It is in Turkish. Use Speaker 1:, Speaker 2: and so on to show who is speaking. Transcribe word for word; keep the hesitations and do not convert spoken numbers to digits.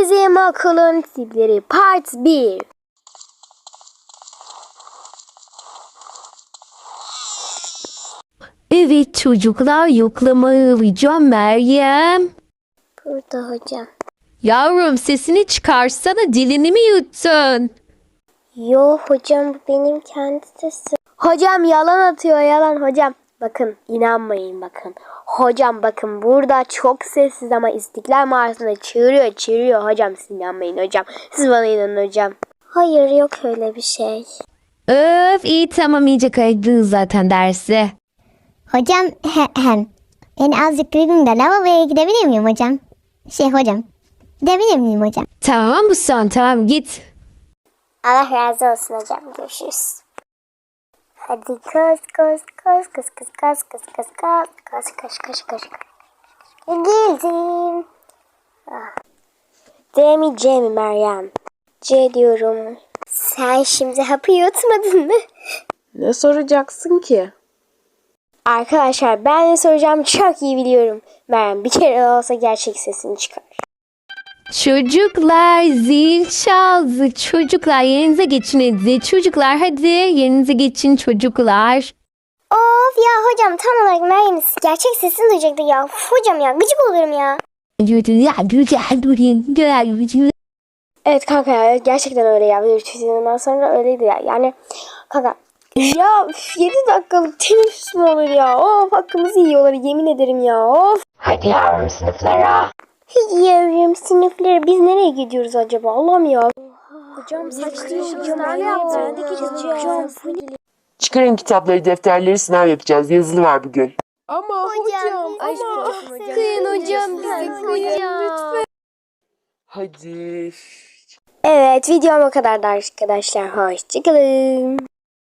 Speaker 1: Bizim okulun tipleri part bir.
Speaker 2: Evet çocuklar, yoklamayı alacağım Meryem.
Speaker 1: Burada hocam.
Speaker 2: Yavrum sesini çıkarsana, dilini mi yuttun?
Speaker 1: Yo hocam, bu benim kendi sesim. Hocam yalan atıyor, yalan hocam. Bakın, inanmayın bakın. Hocam bakın, burada çok sessiz ama İstiklal Marşı'nda çığırıyor çığırıyor hocam. Siz inanmayın hocam. Siz bana inanın hocam. Hayır, yok öyle bir şey.
Speaker 2: Öf, iyi tamam, iyice kaydınız zaten dersi.
Speaker 3: Hocam he, hem. Yani azıcık gribim de lavaboya gidebilir miyim hocam? Şey hocam. Gidebilir miyim hocam?
Speaker 2: Tamam bu son, tamam git.
Speaker 1: Allah razı olsun hocam. Görüşürüz. Hadi koş koş koş koş koş koş koş koş koş koş koş koş koş. Geldim. Ah. D mi C mi Meryem? C diyorum. Sen şimdi hapı yutmadın mı?
Speaker 4: Ne soracaksın ki?
Speaker 1: Arkadaşlar, ben ne soracağımı çok iyi biliyorum. Meryem bir kere olsa gerçek sesini çıkar.
Speaker 2: Çocuklar zil çaldı. Çocuklar yerinize geçin hadi. Çocuklar hadi yerinize geçin çocuklar.
Speaker 1: Of ya hocam, tam olarak Meryem'in gerçek sesini duyacaktı ya. Uf, hocam ya, gıcık oluyorum ya. Evet kanka ya, gerçekten öyle ya. Ondan sonra öyleydi ya. Yani kanka ya yedi dakikalık teneffüs mü olur ya? Of, hakkımızı yiyorlar, yemin ederim ya. Of.
Speaker 5: Hadi yavrum sınıflara.
Speaker 1: Yavrum sınıfları, biz nereye gidiyoruz acaba? Allah'ım ya. Hocam saçmalıyorsunuz. Hocam ne yaptınız? Hocam.
Speaker 5: Çıkarın kitapları, defterleri, sınav yapacağız. Yazılı var bugün.
Speaker 4: Ama hocam,
Speaker 1: Aşk
Speaker 4: ama.
Speaker 1: olsun hocam. Kıyın hocam bizi, hocam.
Speaker 5: Hadi.
Speaker 1: Evet, videom o kadardı arkadaşlar. Hoşçakalın.